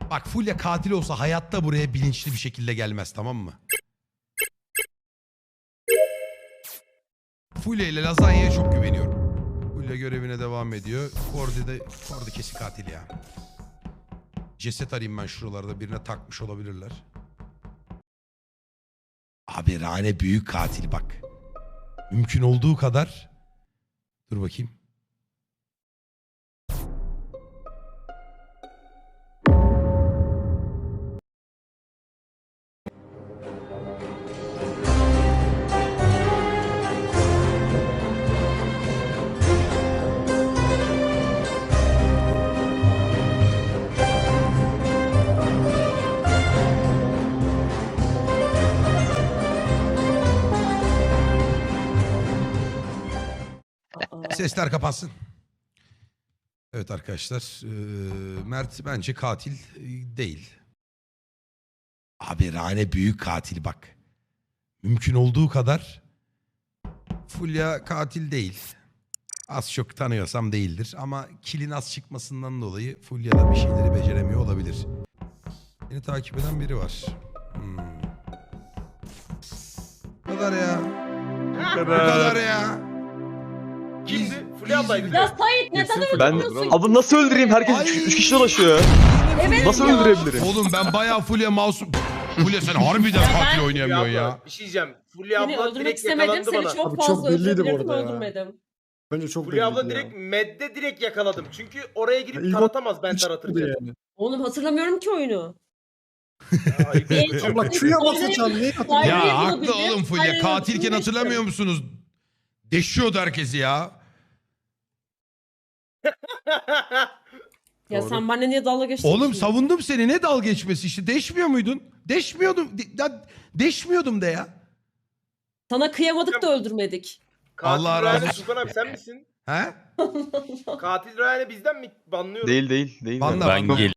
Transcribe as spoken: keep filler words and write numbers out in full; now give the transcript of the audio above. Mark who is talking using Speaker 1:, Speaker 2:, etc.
Speaker 1: Bak Fulya katil olsa hayatta buraya bilinçli bir şekilde gelmez, tamam mı? Fulya ile Lazanya'ya çok güveniyorum. Fulya görevine devam ediyor. Kordi de Kordi kesin katil ya. Ceset arayayım ben şuralarda, birine takmış olabilirler. Abi Rane büyük katil bak. Mümkün olduğu kadar. Dur bakayım. Sesler kapansın. Evet arkadaşlar. Ee, Mert bence katil değil. Abi Rane büyük katil bak. Mümkün olduğu kadar. Fulya katil değil. Az çok tanıyorsam değildir. Ama kilin az çıkmasından dolayı Fulya da bir şeyleri beceremiyor olabilir. Beni takip eden biri var. Hmm. Bu kadar ya. Bu kadar ya.
Speaker 2: Kimdi? Fulya ablaydı.
Speaker 3: Ya Sait neden
Speaker 4: Ben
Speaker 3: öldürüyorsun?
Speaker 4: abi nasıl öldüreyim? Herkes
Speaker 1: Ay.
Speaker 4: üç, üç kişi dolaşıyor.
Speaker 3: Evet
Speaker 4: Nasıl
Speaker 3: ya.
Speaker 4: öldürebilirim?
Speaker 1: Oğlum ben bayağı Fulya masum. Fulya sen harbiden
Speaker 3: Ya
Speaker 1: katil
Speaker 3: ben-
Speaker 1: oynayamıyorsun ya.
Speaker 2: Bir şey diyeceğim. Fulya
Speaker 3: Seni
Speaker 2: abla
Speaker 3: öldürmek
Speaker 2: direkt
Speaker 3: istemedim.
Speaker 2: yakalandı
Speaker 3: Seni
Speaker 2: bana.
Speaker 3: çok
Speaker 5: Abi
Speaker 3: fazla
Speaker 5: çok belliydi bu
Speaker 3: öldürebilirdim,
Speaker 5: arada ya.
Speaker 3: öldürmedim.
Speaker 5: Bence çok
Speaker 2: Fulya abla
Speaker 5: belliydi
Speaker 2: direkt
Speaker 5: ya.
Speaker 2: medde direkt yakaladım. Çünkü oraya
Speaker 5: Ya
Speaker 2: girip
Speaker 5: ilk
Speaker 2: taratamaz ben
Speaker 5: Hiç
Speaker 2: taratırken.
Speaker 5: yani.
Speaker 3: Oğlum hatırlamıyorum ki oyunu.
Speaker 2: Ya, ayıp
Speaker 3: En
Speaker 2: ediyorsun.
Speaker 3: çok-
Speaker 5: Abla Q'ya basacağım. Neyi hatırlıyorsun?
Speaker 3: Hayır,
Speaker 1: Ya haklı
Speaker 3: bulabildim.
Speaker 1: oğlum Fulya.
Speaker 3: Hayır,
Speaker 1: Katilken
Speaker 3: bulabildim.
Speaker 1: hatırlamıyor musunuz? Deşiyordu herkesi ya.
Speaker 3: Ya
Speaker 5: Doğru.
Speaker 3: sen benimle niye dalga geçtin?
Speaker 1: Oğlum
Speaker 3: şimdi?
Speaker 1: savundum seni. Ne dalga geçmesi işte. Deşmiyor muydun? Deşmiyordum. De- ya deşmiyordum de ya.
Speaker 3: Sana kıyamadık da öldürmedik.
Speaker 2: Katil
Speaker 1: Allah razı
Speaker 2: Rayane
Speaker 1: olsun.
Speaker 2: Tufan abi sen misin?
Speaker 1: He?
Speaker 2: Katil Rayane bizden mi banlıyoruz?
Speaker 4: Değil değil değil.
Speaker 1: Banla,
Speaker 4: Yani.
Speaker 1: banla.
Speaker 6: Ben gel